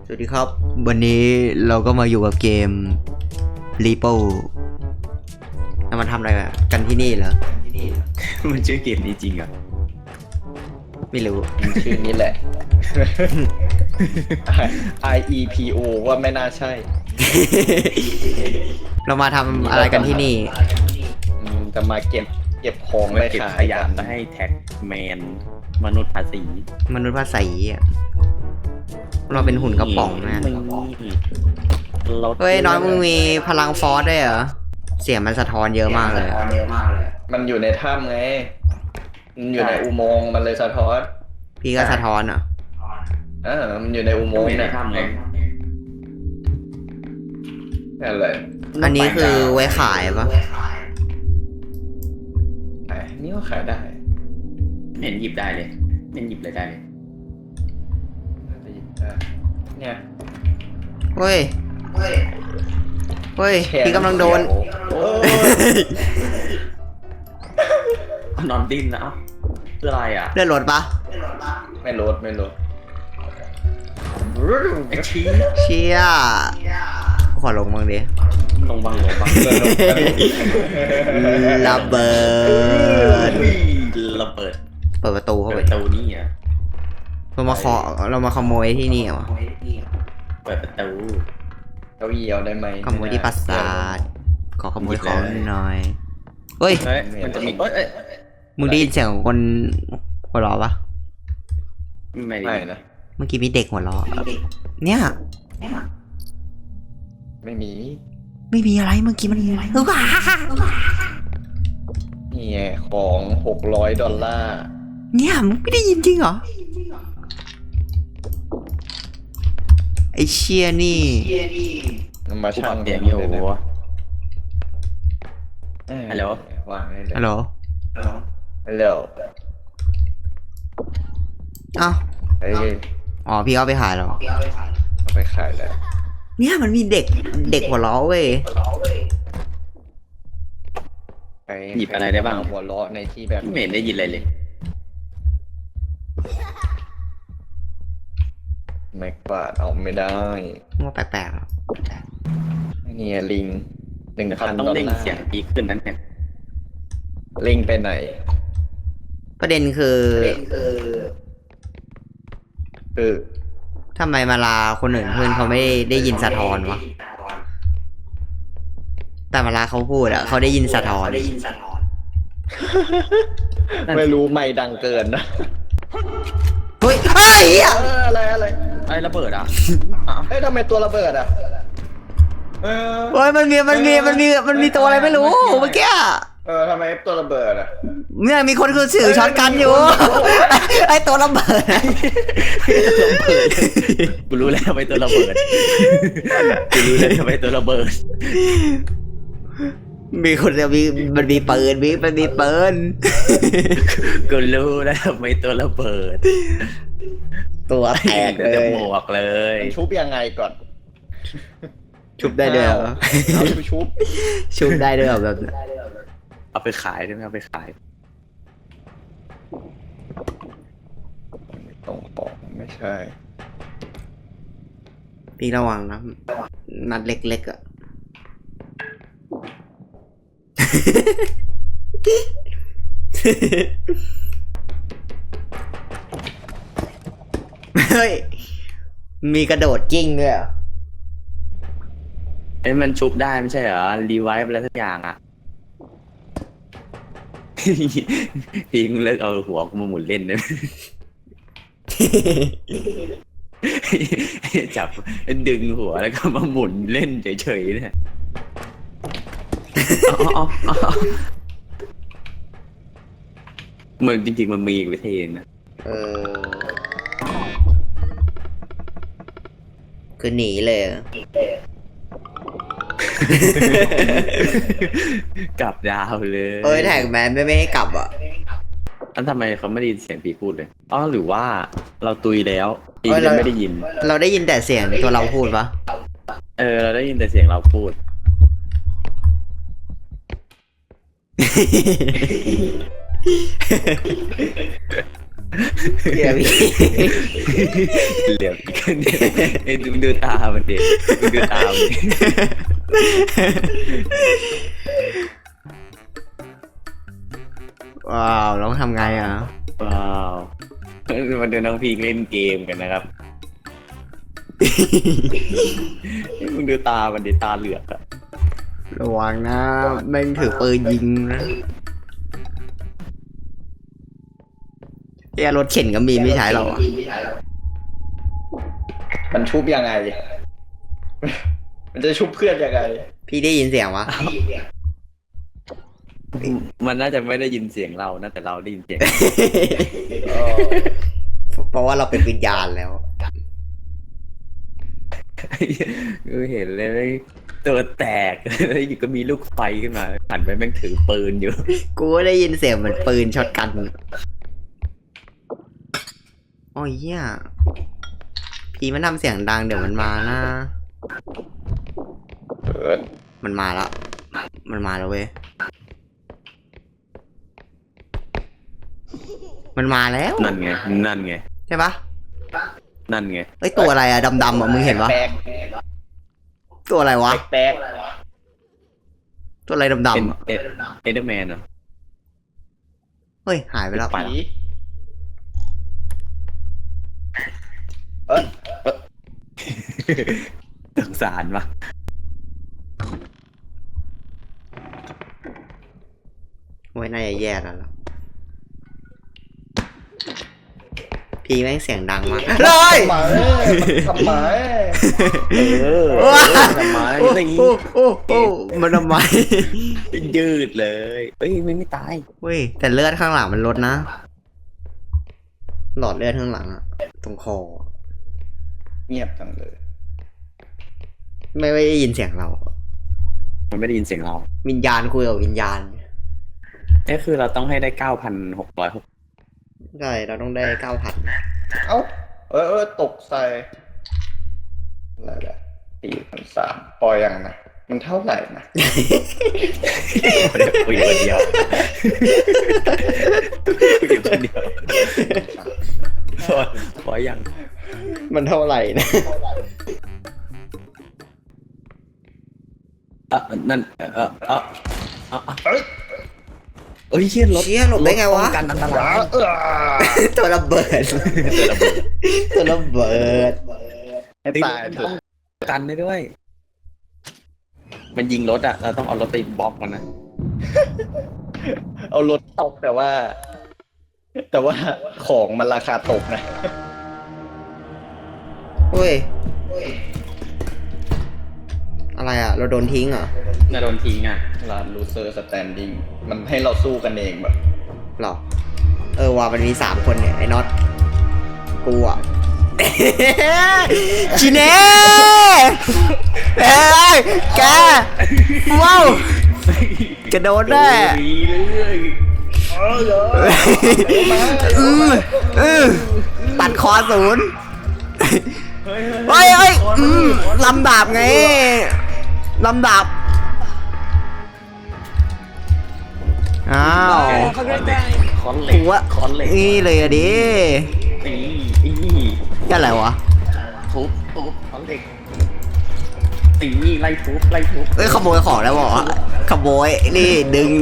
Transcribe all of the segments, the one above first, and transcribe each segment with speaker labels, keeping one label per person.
Speaker 1: สวัสดีครับวันนี้เราก็มาอยู่กับเกม Repo เรามาทำอะไรกันที่นี่เหรอ
Speaker 2: มันชื่อเกมนี้จริงอ่ะ
Speaker 1: ไม่รู้
Speaker 3: ชื่อนี้แหละ IEPO ว่าไม่น่าใช่
Speaker 1: เรามาทำอะไรกันที่นี่
Speaker 3: จะมาเก็บของ
Speaker 2: มัน
Speaker 3: ไป
Speaker 2: เก็บ
Speaker 3: ขาย
Speaker 2: ขยะไปให้แท็กแมนมนุษย์ภาษี
Speaker 1: มนุษย์ภาษีอะเราเป็นหุ่นกระป๋องนะ เฮ้ยน้อยมึงมีพลังฟอสด้วยเหรอ เสียงมันสะท้อนเยอะมากเลยอะ
Speaker 3: มันอยู่ในถ้ำไง มันอยู่ในอุโมงค์มันเลยสะท้อน
Speaker 1: พี่ก็สะท้อนเหรอ
Speaker 3: มันอยู่ในอุโมงค์
Speaker 2: ไม่ได้
Speaker 3: เนี่ย
Speaker 2: ทำไง
Speaker 3: นั่นแหละ
Speaker 1: อันนี้คือไว้ขายปะ
Speaker 3: นี่ก็ขายได้
Speaker 2: ไม่เห็นหยิบได้เลยไม่เห็นหยิบเลยได้เลย
Speaker 3: น่าจะหยิบได้เนี่ย
Speaker 1: เฮ้ยพี่กำลังโดน
Speaker 3: โอ้ย
Speaker 2: นอนดิ้นนะเอ้าคืออะไรอ่ะ
Speaker 1: เลือดรถปะ
Speaker 3: ไม่ลด
Speaker 2: ไอ้ชี้
Speaker 1: เชี่ยขอลงบ้างดิ
Speaker 2: ลงบัง
Speaker 1: ระเบิด
Speaker 2: ระเบิด
Speaker 1: เปิดประตูเข้า
Speaker 2: เปิ
Speaker 1: ไป
Speaker 2: ดประตูนี่อ่ะ
Speaker 1: เรามาขโมยที่นี่เหรอ
Speaker 2: เปิดประตู
Speaker 3: เก้าอี้เอาได้ไหม
Speaker 1: ขโมยที่ปราสาทขอขโมยของหน่อยเฮ้ย
Speaker 2: เฮ้ยมันจะมีเอ้ย
Speaker 1: มึงได้ยินเสียงของคนหัวเราะปะ
Speaker 2: ไม่
Speaker 3: ไม่
Speaker 2: ได้
Speaker 3: นะ
Speaker 1: เมื่อกี้มีเด็กหัวเราะเนี่ย
Speaker 3: ไม่มี
Speaker 1: ไม่มีอะไรเมื่อกี้มันมีอะไรว้า
Speaker 3: นี่ไงของ$600
Speaker 1: เนี่ยมึงไม่ได้ยินจริงเหรอไอเชียนี่
Speaker 3: นำมา
Speaker 2: กู
Speaker 3: ช่า
Speaker 2: ปรั
Speaker 3: ง
Speaker 2: บเสียงอยู่ ฮัลโหล
Speaker 3: วางได้เลย
Speaker 1: ฮัลโหล
Speaker 3: ฮัลโหล
Speaker 1: อ้าว
Speaker 3: เฮ้ย
Speaker 1: อ๋อพี่เอาไปขายเหรอ
Speaker 3: เอาไปขายแล้ว
Speaker 1: เนี่ยมันมีเด็กหัวเราะเว้ย
Speaker 3: ไป
Speaker 2: หยิบอะไรได้บ้าง
Speaker 3: หัวเราะในที่แบบ
Speaker 2: ไม่เห็นได้ยินอะไรเลย
Speaker 3: แม็กบาดเอาไม่ได้
Speaker 1: ว่าแปลกๆอะ
Speaker 3: นี่ไงลิง
Speaker 2: เขาต้อง
Speaker 3: $1,000
Speaker 2: เร่งเสียงดีขึ้นนั้นเนี่ย
Speaker 3: ลิงไปไหน
Speaker 1: ประเด็นคือ
Speaker 3: คือ
Speaker 1: ทำไมมาลาคนอื่นเพื่อนเขาไม่ได้ยินสะท้อนวะแต่มาลาเขาพูดอะเขาได้ยินสะท้อน
Speaker 3: ไม่รู้ไม่ดังเกินนะ
Speaker 1: เฮ้ยเฮ้ยอะ
Speaker 3: อะไร
Speaker 2: ไอ้ระเบิดอ่ะ
Speaker 3: เฮ้ยทำไมตัวระเบิดอ่ะ
Speaker 1: เฮ้ยมันมีตัวอะไรไม่รู้เมื่อกี้อะ
Speaker 3: ทำไมตัวระเบิดอ่ะ
Speaker 1: เนี่ยมีคนคือสื่อช็อตกันอยู่ ไอตัวระเบิด
Speaker 2: กูรู้แล้วไปตัวระเบิดกูรู้แล้วไปตัวระเบิด
Speaker 1: มีคนจะมันมีปืนมันมีปืน
Speaker 2: กูรู้แล้วไปตัวระเบิด
Speaker 1: ตัวแตกเล
Speaker 2: จะ
Speaker 1: ย
Speaker 2: หมวกเลย
Speaker 3: มันชุบยังไงก่อน
Speaker 1: ชุบได้ด้วยเหรอ
Speaker 3: เอาชุบ
Speaker 1: ชุบได้ด้วยเหรอแบบ
Speaker 2: เอาไปขายได้ไหมเอาไปขาย
Speaker 3: ตรงของไม่ใช่
Speaker 1: พี่ระวังนะนัดเล็กๆอ่ะ เฮ้ย มีกระโดดกิ้งด้วยเหรอ
Speaker 2: เอ้ยมันชุบได้ไม่ใช่เหรอรีไวฟ์อะไรสักอย่างอ่ะ ทิ้งเลิกเอาหัวกูมาหมุนเล่นได้ไหม จับดึงหัวแล้วก็มาหมุนเล่นเฉยๆเนี่ยมันจริงๆมันมีอีกวิธีนะ
Speaker 1: คือหนีเลยอะ
Speaker 2: กลับดาวเลย
Speaker 1: เอ้ยแท็กแมนไม่ให้กลับอ่ะ
Speaker 2: อันทำไมเขาไม่ได้ยินเสียงปีพูดเลยอ๋อหรือว่าเราตุยแล้วปียังไม่ได้ยิน
Speaker 1: เราได้ยินแต่เสียงตัวเราพูดปะ
Speaker 2: เราได้ยินแต่เสียงเราพูด
Speaker 1: เฮียพี่
Speaker 2: เหลืออีกคนเดียวไอ้ดูตามันดิดูตามันดิ
Speaker 1: ว้าวแล้วทำไงอ่ะ
Speaker 2: ว้าวมาดูน้องพีเล่นเกมกันนะครับมึงดูตามันดิตาเหลือกอะ
Speaker 1: ระวังนะแม่งถือปืนยิงนะเฮียรถเข็นก็มีไม่ใช้หรอก
Speaker 3: มันชุบยังไง มันจะชุบเพื่อนยังไง
Speaker 1: พี่ได้ยินเสียงวะ
Speaker 2: มันน่าจะไม่ได้ยินเสียงเรานะแต่เราได้ยินเสียง
Speaker 1: เพราะว่าเราเป็นวิญญาณแล้ว
Speaker 2: เห็นเลยตัวแตกแล้วอยู่ก็มีลูกไฟขึ้นมาหันไปแม่งถือปืนอยู่
Speaker 1: กูก็ได้ยินเสียงเหมือนปืนช็อตกันโอ้ยเหี้ยพี่มันทำเสียงดังเดี๋ยวมันมานะ มันมาแล้ว มันมาแล้วเว้ย มันมาแล้ว
Speaker 2: นั่นไงนั่นไง
Speaker 1: ใช่ปะ
Speaker 2: นั่นไง
Speaker 1: เอ้ยตัวอะไรอะดำๆอะมึงเห็นปะ
Speaker 3: แปลก
Speaker 1: ตัวอะไรวะ
Speaker 3: แปลก
Speaker 1: ตัวอะไรดำๆอะ
Speaker 2: เอเดอร์แมนเหรอ
Speaker 1: เฮ้ยหายไปแล้ว
Speaker 2: ไป
Speaker 3: ผี
Speaker 2: สงสารปะ
Speaker 1: โอ้ยน่าจะแย่แล้วล่ะพี่แม่งเสียงดังมากเลย
Speaker 3: ทำไม
Speaker 2: ทำไม
Speaker 1: โอ้
Speaker 2: ไม่
Speaker 1: โอ้โอ้โอ้มันทำไม
Speaker 2: ยืดเลยเอ้ยไม่ตาย
Speaker 1: เว้ยแต่เลือดข้างหลังมันลดนะ หลอดเลือดข้างหลังอะตรงคอ
Speaker 3: เงียบจังเลย
Speaker 1: ไม่ได้ยินเสียงเรา
Speaker 2: มันไม่ได้ยินเสียงเรา
Speaker 1: วิญญาณคุยกับวิญญาณ
Speaker 2: นี่คือเราต้องให้ได้9,606
Speaker 1: ใช่เราต้องได้9,000
Speaker 3: เอ้าตกใส่อะไรแหละ4,300พอยังนะ มันเท่าไหร่นะ
Speaker 2: คุยคนเดียวคุยคนเดียวพอยัง
Speaker 1: มันเท่าไหร่นะ
Speaker 2: นั่นเอ้ยเชี่ยรถ
Speaker 1: เชี่ยหลบได้ไงวะ
Speaker 2: ป้องกันอันตราย
Speaker 1: ตัวระเบิด ตัวระเบิด
Speaker 3: ให้ตายเถอะ
Speaker 2: กันได้ด้วย มันยิงรถอ่ะ เราต้องเอารถไปบล็อกมันนะ
Speaker 3: เอารถตกแต่ว่า ของมันราคาตกนะ
Speaker 1: เฮ้ย อะไรอ่ะ เราโดนทิ้งเหรอ
Speaker 2: น่าโดนทิ้งอ่ะ
Speaker 3: ร้าน loser standing มันให้เราสู้กันเองแบบ
Speaker 1: หรอ ว่ามันมี3 คนเนี่ย ไอ้น็อต กูอ่ะ ชิเน่เอ้ยแก ว้าวกระโดดได้ ตัดคอ0เฮ้ยลำดาบไงลำดาบอ้าว
Speaker 2: คอนเหล็ก
Speaker 1: หัว
Speaker 2: คอนเหล็ก
Speaker 1: นี่เลยอะดิ
Speaker 2: อี
Speaker 1: นี่อะไรวะ
Speaker 2: ทุบคอนเหล็กไล่ทุบ
Speaker 1: เอ้ยขโมยของแล้วบอกขโมยนี่ดึง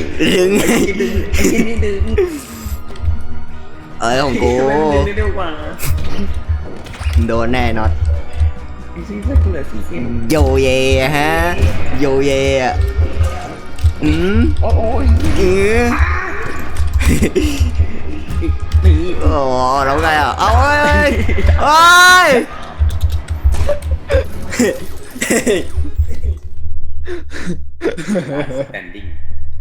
Speaker 1: เอ้ยของกู
Speaker 2: เร็วกว่า
Speaker 1: โดนแน่น็อต
Speaker 2: สีเสื้อเหลือสีเขียว
Speaker 1: โยเยฮะโยเยอ่ะ
Speaker 2: โอ้ย นี่
Speaker 1: โอ้แล้วไงอ่ะเอาเอ้ย
Speaker 2: แตนดิ้ง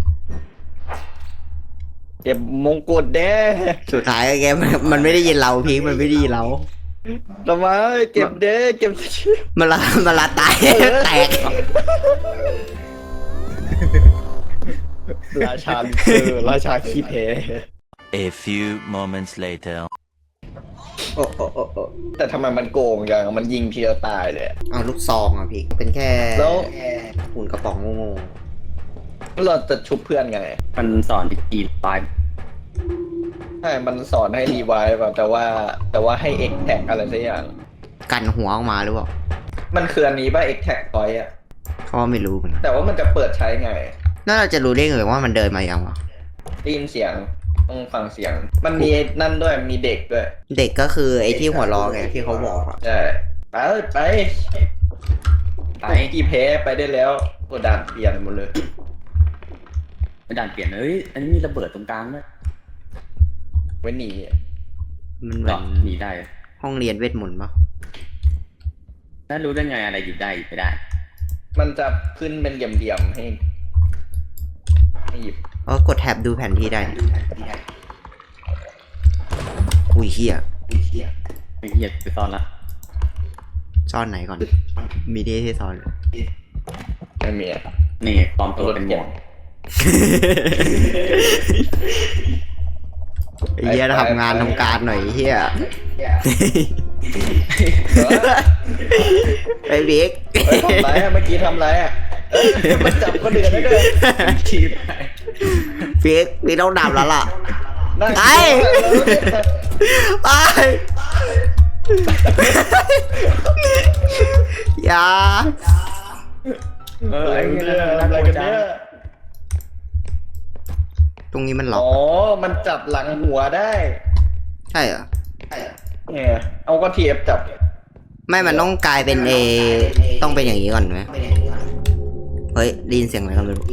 Speaker 3: เก็บมงกุฎเด้
Speaker 1: สุดท้ายแกมันไม่ได้ยินเราพีคมันไม่ได้ยินเรา
Speaker 3: ทำไมเก็บเด้เก็บ
Speaker 1: มันละตายแตก
Speaker 3: ราชาราชาขี้เพ
Speaker 4: A few moments later.
Speaker 1: โอ้
Speaker 3: แต่ทำไมมันโกงอย่างมันยิงทีละตายเลย
Speaker 1: เอาลูกซองอ่ะพี่เป็นแค่
Speaker 3: แล้ว
Speaker 1: หุ่นกระป๋องโง่
Speaker 3: เราจะชุบเพื่อนไง
Speaker 2: มันสอนวิธีตาย
Speaker 3: ใช่มันสอนให้รีไวล์แบบแต่ว่าให้เอ็กแท็กอะไรสักอย่าง
Speaker 1: กันหัวออกมาหรือเปล่า
Speaker 3: มันคืออันนี้ป่ะเอ็กแท็กพอยต์อะ
Speaker 1: เขาว่าไม่รู้เหมือนกัน
Speaker 3: แต่ว่ามันจะเปิดใช้ไง
Speaker 1: น่าจะรู้ได้ไงว่ามันเดินมายังวะ
Speaker 3: ได้ยินเสียงต้องฟังเสียง มันมีนั่นด้วยมีเด็กด้วย
Speaker 1: เด็กก็คือไอ้ที่หัวล้อไงที่เขาบอกอะ
Speaker 3: ใช่ไปกี่เพไปได้แล้วกดด่านเปลี่ยนหมดเลย
Speaker 2: ไม่ด่านเปลี่ยนเฮ้ยอันนี้มีระเบิดตรงกลางด้วย
Speaker 3: ไว้หนี
Speaker 1: มันเหมื
Speaker 2: ก็
Speaker 1: อน
Speaker 2: หนีได้
Speaker 1: ห้องเรียนเวทมนต์ปะ
Speaker 2: ถ้ารู้ได้ไงอะไรหยิบได้หยิบไม่ได้
Speaker 3: มันจะขึ้นเป็นเหลี่ยมๆให้หยิบ
Speaker 1: กดแท็บดูแผนที่ได้อุ้ยเฮีย
Speaker 2: ไม่เหี้ยไปซ่อนละ
Speaker 1: ซ่อนไหนก่อน มีดีที่ซ่อน
Speaker 3: ไม่มีอะ
Speaker 2: นี่ปลอมตัวเป็นหมวก
Speaker 1: ไอ้เฮียทำงานทำการหน่อยไอ้เฮีย ไปบิ๊ก
Speaker 3: เฮ้ยทำไรอะเมื่อกี้ทำไรอะมันจับก็เดือดได้ด้วย
Speaker 2: ชีพ
Speaker 1: บิ๊กพี่ต้องดับแล้วล่ะ
Speaker 3: นั่ง
Speaker 1: ไป ไปอย่า
Speaker 3: อะไร
Speaker 2: ไอ้
Speaker 3: กัน
Speaker 2: เหี้
Speaker 3: เนี่ย
Speaker 2: ย
Speaker 3: อะไรกันเนี่ย
Speaker 1: ตรงนี้มันล็อก
Speaker 3: อ๋อมันจับหลังหัวได้
Speaker 1: ใช่เหรอ
Speaker 3: เนี่ยเอาก็ทีเอฟจับ
Speaker 1: ไม่มันต้องกลายเป็นต้องเป็นอย่างนี้ก่อนไหมเฮ้ยได้ยินเสียงอะไรก็ไม่รู้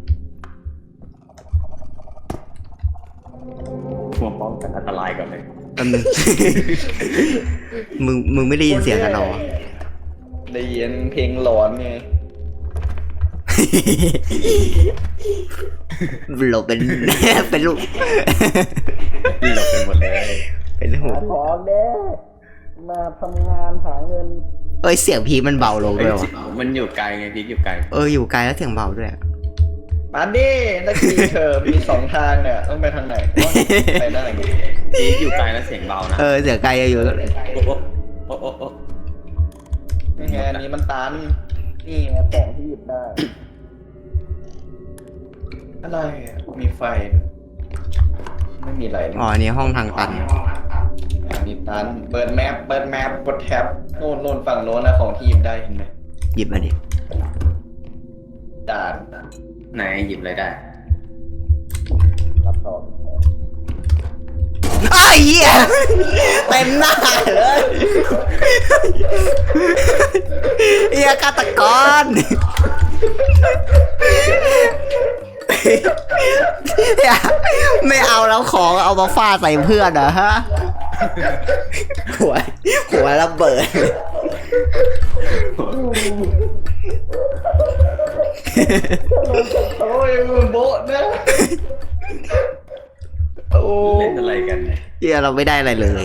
Speaker 2: หัวป้องกันอันตรายก่อนเลย
Speaker 1: แป๊บนึง มึงไม่ได้ยินเสียงกันหรอ
Speaker 3: ได้ยินเพลงหลอนไง
Speaker 1: หลบเป็น เป็นลูก
Speaker 2: นี่เราเป็นหมดเลย
Speaker 1: เป็นหู
Speaker 3: ของเด้มาทำงานหาเงิน
Speaker 1: เอ้ยเสียงพีคมันเบาลงด้วยวะ
Speaker 2: มันอยู่ไกลไงพีกอยู่ไกล
Speaker 1: อยู่ไกลแล้วเสียงเบาด้วย
Speaker 3: มาดินักกีเธอมีสองทางเนี่ยต้องไปทางไหนไปได้ไง
Speaker 2: พีกอยู่ไกลแล้วเสียงเบานะ
Speaker 1: เสียงไกลอยู่
Speaker 2: โอ้โอ้โอ้โอ้
Speaker 3: นี่ไงอันนี้มันตันนี่ไงของที่หยิบได้ อะไรอะมีไฟ ไม่มีอะไร
Speaker 1: อ๋ออันนี้ห้องทางตัน
Speaker 3: อันนี้ตันเปิดแมปกดแท็บโน่นฝั่งโน้นนะของที่หยิบได้เห็นไหม
Speaker 1: หยิบมาดิ
Speaker 3: ด่าน
Speaker 2: ไหนหยิบอะไรได้
Speaker 3: รับต่อ
Speaker 1: ไอ้เหี้ยเต็มหน้าเลยเหี้ยฆาตกรไม่เอาแล้วของเอามาฟาดใส่เพื่อนเหรอฮะหัวระเบิด
Speaker 3: โอ้ยมึงโบ๊ะนะโอ้
Speaker 2: เล่นอะไรกันเนี่ย
Speaker 1: เหี้ยเราไม่ได้อะไรเลย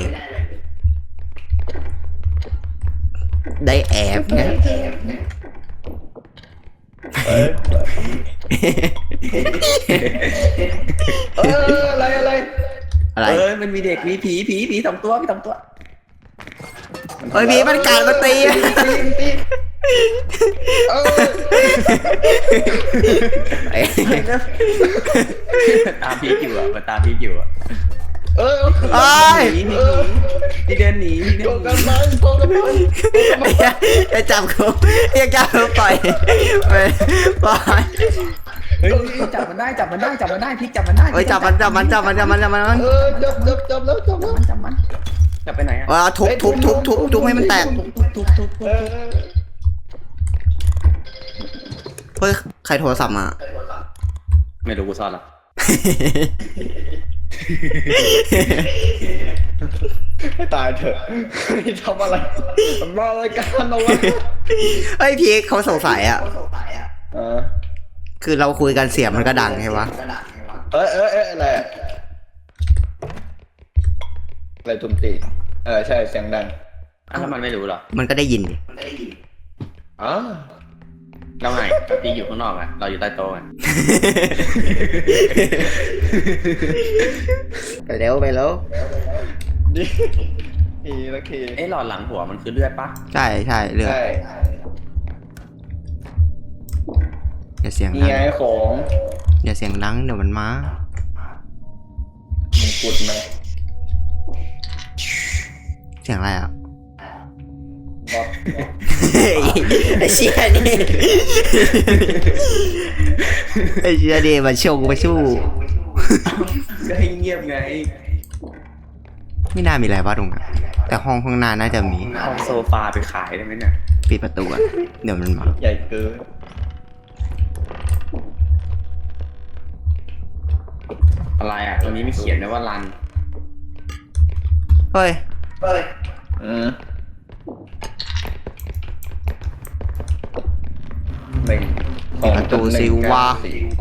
Speaker 1: ได้แอบไง
Speaker 3: อะไร
Speaker 1: อะไร
Speaker 2: มันมีเด็กมีผีสองตัวมีสองตัว
Speaker 1: เฮ้ยพี่มันกัดมันตี
Speaker 3: ตีเออ
Speaker 2: ตามพีกอยู่อ่ะมันตามพีกอยู่อ่ะ
Speaker 3: เออ
Speaker 1: เอ้ย
Speaker 2: หนีพี่เดินหนีพี่เดิ
Speaker 3: โก
Speaker 2: นห
Speaker 3: กั
Speaker 2: นี
Speaker 3: นมันโกกันมัน
Speaker 1: อย่าจับกูอย่าจับกูปล่อยไปปล่อย
Speaker 2: เฮ้ยจับมันได้พีกจับมันได้
Speaker 1: เฮ้ยจับมัน
Speaker 3: เออจับแล้ว
Speaker 2: จับไปไหนอ่ะ
Speaker 1: ทุบให้มันแตก
Speaker 3: เออ
Speaker 1: เฮ้ยใครโทรศัพท์มา
Speaker 2: ไม่รู้กูซ่อนหรอ
Speaker 3: ให้ตายเถอะทำอะไรมารายการเอาไว้
Speaker 1: เฮ้ยพี่เขาสงสัยอ่ะ
Speaker 3: เ
Speaker 1: คือเราคุยกันเสียงมันก็ดังใช่ปะ
Speaker 3: อะไรอะไรตุ่มตีใช่เสียงดัง
Speaker 2: แล้วมันไม่รู้หรอ
Speaker 1: มันก็ได้ยินดิ
Speaker 3: อ๋อ
Speaker 2: แล้วไงพีกอยู่ข้างนอกอ่ะเราอยู่ใต้โต๊ะอ่ะ
Speaker 1: ไปเร็ว
Speaker 3: ดีโอเค
Speaker 2: หลอดหลังหัวมันคือเลือดปะ
Speaker 1: ใช่เรื่อง
Speaker 3: ใช่
Speaker 1: อย่าเสียง
Speaker 3: นี่
Speaker 1: ดัง
Speaker 3: ไงของ
Speaker 1: อย่าเสียงดังเดี๋ยวมันมา
Speaker 3: กุดไหม
Speaker 1: เสียงอะไรอ่ะ
Speaker 3: บอส
Speaker 1: ไอ้เชี่ยนี่ไอ้เชี่ยนี่มาชงมาชู้
Speaker 2: ก็ให้เงียบไง
Speaker 1: ไม่น่ามีอะไรว่าตรงนั้นแต่ห้องข้างหน้าน่าจะมี
Speaker 2: เอาโซฟาไปขายได้ไหมเนี่ย
Speaker 1: ปิดประตูอ่ะเดี๋ยวมันมา
Speaker 3: ใหญ่เกิน
Speaker 2: อะไรอ่ะตรงนี้ไม่เขียนนะว่ารัน
Speaker 1: เฮ้ย
Speaker 3: หนึ่ง
Speaker 1: ปิดประตูสิวะ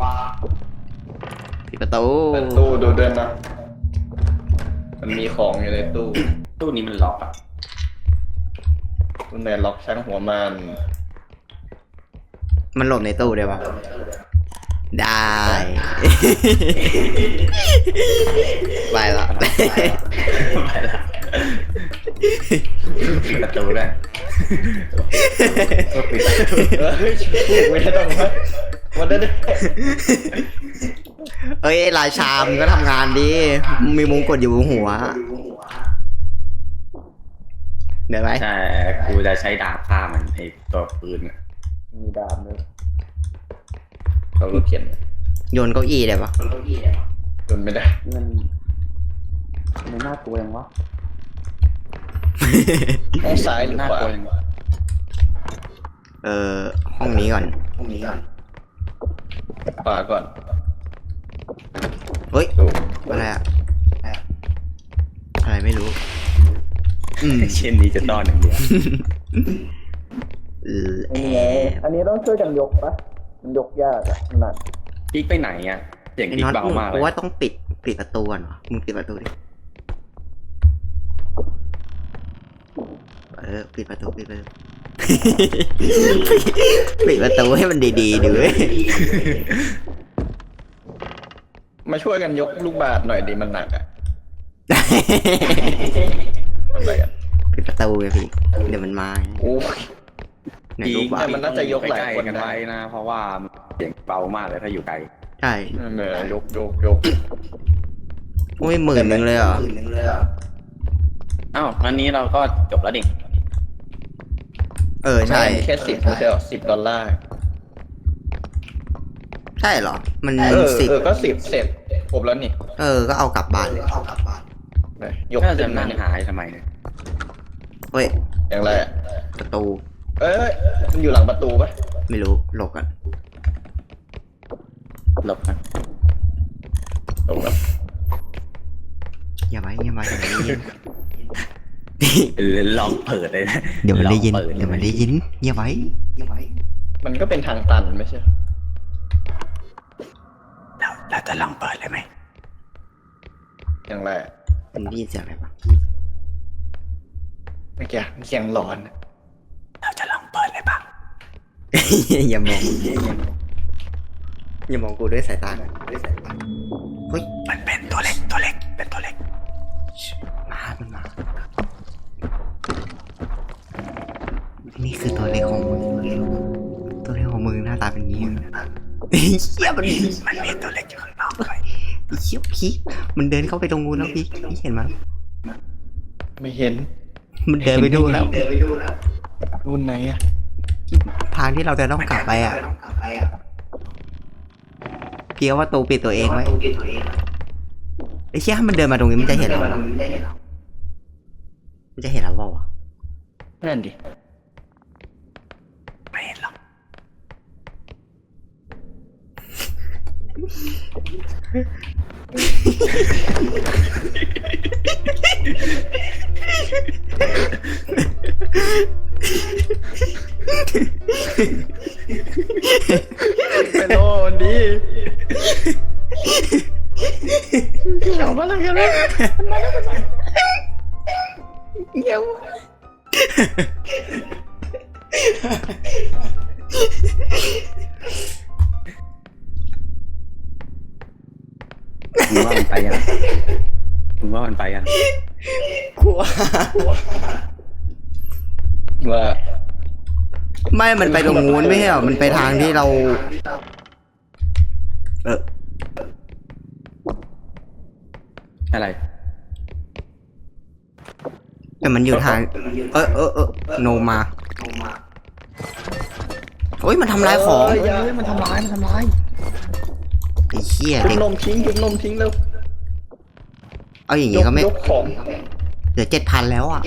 Speaker 1: ปิดประตู
Speaker 3: เปิดตู้ดูด้วยนะมันมีของอยู่ในตู้
Speaker 2: ตู้นี้มันล็อกอ่ะ
Speaker 3: ตู้ในล็อกช่างหัวมัน
Speaker 1: มันหลบในตู้ได้ปะได้ ไปละ
Speaker 2: ไปละปิดประตูได้
Speaker 3: เฮ้ยพูดไม่ได้ต้องวันได้
Speaker 1: เอ้ยราชามึงก็ทำงานดิมีมงกุฎอยู่บนหัวเดี๋ยวไหม
Speaker 2: ใช่กูจะใช้ดาบฆ่ามันไอตัวปืนอ่ะ
Speaker 3: มีดาบด้วยเขารถเขียน
Speaker 1: โยนเก้าอี้ได้ปะ
Speaker 3: จนไม่ได้
Speaker 2: มันน่ากลัวยังวะ
Speaker 3: ห้องซ้ายหรือ
Speaker 2: น่า
Speaker 3: ขวาก
Speaker 2: ลัวยัง
Speaker 1: ห้องนี้ก่อน
Speaker 3: ขวาก่อน
Speaker 1: เฮ้ย
Speaker 3: ตู้
Speaker 1: อะไรอะอะไรไม่รู้
Speaker 2: เช่นนี้จะต้อนอย่างเดียว
Speaker 3: อันนี้ต้องช่วยกันยกปะมันยกยากอะหนัก
Speaker 2: ปิ๊กไปไหนอ่ะเสียง
Speaker 1: ไอ้
Speaker 2: ปิ๊ก
Speaker 1: น็อต
Speaker 2: เบามาก
Speaker 1: เพ
Speaker 2: เลย
Speaker 1: ราะว่าต้องปิดประตูก่อนวะมึงปิดประตูดิปิดประตูปิดประตูให้มันดีๆดิเว้ย
Speaker 3: มาช่วยกันยกลูกบาศก์หน่อยดิมันหนักอะอะไรกัน
Speaker 1: ปิดประตูไงพี่เดี๋ยวมันมา
Speaker 3: โอ้ย
Speaker 1: ใน
Speaker 2: ปิ๊
Speaker 1: รู
Speaker 2: ก
Speaker 1: ปว่า
Speaker 3: แต่มันน่าจะยกหลายคน
Speaker 2: กัน
Speaker 3: ได้
Speaker 2: ไว้นะ เพราะว่าเสียงเบามากเลยถ้าอยู่ไกล
Speaker 1: ใช่
Speaker 3: เนี่ยยก
Speaker 1: โอ้ย10,000เลยเหรอ
Speaker 2: อ้าวอันนี้เราก็จบแล้วดิ
Speaker 1: ใช่
Speaker 3: แค่10ไม่ใช่หรอ$10
Speaker 1: ใช่เหรอ มัน
Speaker 3: 10ก็10เสร็จครบแล้วนี่
Speaker 1: ก็เอากลับบ้านเลย
Speaker 3: ยก
Speaker 2: น่าจะ
Speaker 3: ขึ้น
Speaker 2: นั่ง
Speaker 3: นี่
Speaker 2: หายทำไมเนี่ย
Speaker 1: เฮ้ย
Speaker 3: อย่างไรอะ
Speaker 1: ประตู
Speaker 3: เอ้ยมันอยู่หลังประตูปะ
Speaker 1: ไม่รู้หลบกัน
Speaker 2: หลบนะ
Speaker 3: ตรงนั้น
Speaker 1: อย่าไว้อย่ามาเดี๋ยวมันได้ยิน
Speaker 2: ลองเปิดเลยนะ
Speaker 1: เดี๋ยวมันได้ยิน
Speaker 2: ลองปิ
Speaker 1: เดี๋ยวมันได้ยินอย่าไว้
Speaker 3: มันก็เป็นทางตันไม่ใช่
Speaker 2: เราจะลองเปิดเลยไหม
Speaker 3: อย่างไรอะ
Speaker 1: มันได้ยินเสียงอะไรปะ
Speaker 3: เมื่อกี้เสียงหลอน
Speaker 2: เราจะลองเปิดเลยปะ
Speaker 1: อย่ามองกูด้วยสายตาเฮ้ย
Speaker 2: มันเป็นตัวเล็กเป็นตัวเล็ก
Speaker 1: มันมานี่คือตัวเล็กของมึงหน้าตาเป็นงี้เหี้ยมัน
Speaker 2: มีตัวเล็กอยู่ข้างนอกด้วย
Speaker 1: เหี้ยพี่มันเดินเข้าไปตรงนู้นแล้วพี่เห็นมั้ย
Speaker 3: ไม่เห็น
Speaker 1: มันเดินไปดูแล้ว
Speaker 3: รุ่นไหนอะ
Speaker 1: ทางที่เราจะต้องกลับไปอ่ะพี่ว่าประตูปิดตัวเองไว้ไอ้เชี่ยถ้ามันเดินมาตรงนี้มันจะเห็นเรามันจะเห็นเราเปล่าวะ
Speaker 3: นั่นดิ
Speaker 2: ไม่เห็นหรอก
Speaker 3: ไปโลนดิเกี่ยวมาแล้วกันเลยเกี่ยว
Speaker 2: มึงว่ามันไปยัง
Speaker 1: กลัว
Speaker 3: ว่า
Speaker 1: ไม่มันไปตรงนู้นไม่ใช่เหรอมันไปทางที่เรา
Speaker 2: อะไร
Speaker 1: แต่มันอยู่ทางโนมาโอ้ยมันทำลายของ
Speaker 2: เฮ้ยมันทำร้าย
Speaker 1: ไอ้เหี้ย
Speaker 3: ทุบ
Speaker 1: เด็ก
Speaker 3: นมทิ้งทุบนมทิ้งเร็ว
Speaker 1: เอาอย่างงี้ก็ไม่
Speaker 3: ยกของ
Speaker 1: เหลือ7,000แล้วอ่ะ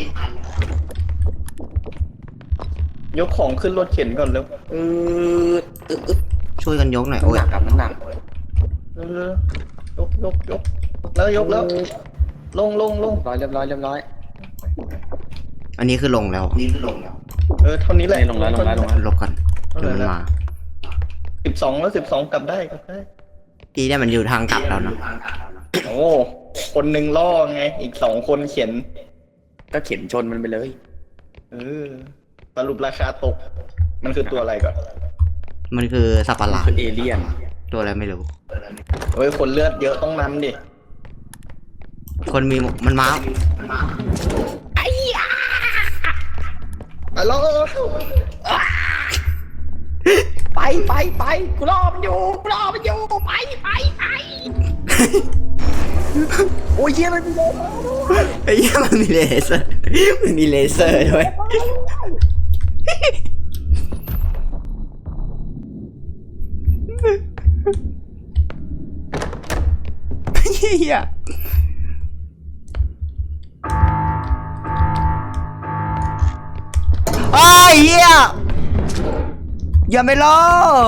Speaker 3: ยกของขึ้นรถเข็นก่อนเร็ว
Speaker 1: ช่วยกันยกหน่อย
Speaker 2: มัน
Speaker 1: โอ้ย
Speaker 2: หนักครับมันหนัก
Speaker 3: เร็วยกแล้วยกแล้วลง
Speaker 2: เรียบร้อย
Speaker 1: อันนี้คือลงแล้ว
Speaker 3: เท่านี้แหละ
Speaker 2: ลงแล้ว
Speaker 1: ลบก่อนเดี๋ยวมันมา
Speaker 3: 12แล้ว12กลับได้
Speaker 1: ดีได้มันอยู่ทางกลับแล้วเนาะ
Speaker 3: โอ้คนหนึ่งล่อไงอีก2คนเข็น
Speaker 2: ก็เข็นชนมันไปเลย
Speaker 3: สรุปราคาตก มันคือตัวอะไรก่อน
Speaker 1: มันคือสัตว์ประหลาด
Speaker 2: คือเอเลี่ยน
Speaker 1: ตัวอะไรไม่รู้
Speaker 3: เฮ้ยคนเลือดเยอะต้องนำดิ
Speaker 1: คนมีมันมา
Speaker 3: แล้ว
Speaker 2: ไปกูรอมันอยู่ไปโอ้ยเยี่ยมันมี
Speaker 1: ไอ้เหี้ยมันมีเลเซอร์มันมีเลเซอร์ด้วยเหี้ยไอ้เหี้ยอย่าไม่รอ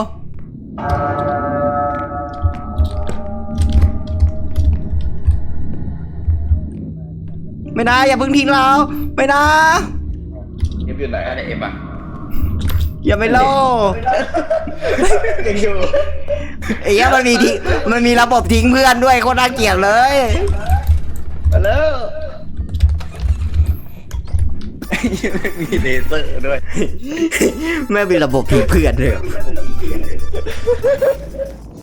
Speaker 1: ไม่นะอย่าเพิ่งทิ้งเราไม่นะ
Speaker 3: เอฟอยู่ไหน
Speaker 2: อะไรเอฟอ่ะ
Speaker 1: อย่าไม่รอ
Speaker 3: ยังอยู่
Speaker 1: ไอ้เหี้ยมันมีระบบทิ้งเพื่อนด้วยโคตรน่าเกลียดเลย
Speaker 3: มาแล้ว
Speaker 2: มีเลเซอร์ด้วย
Speaker 1: แม่งมีระบบทิ้งเพื่อนด้วย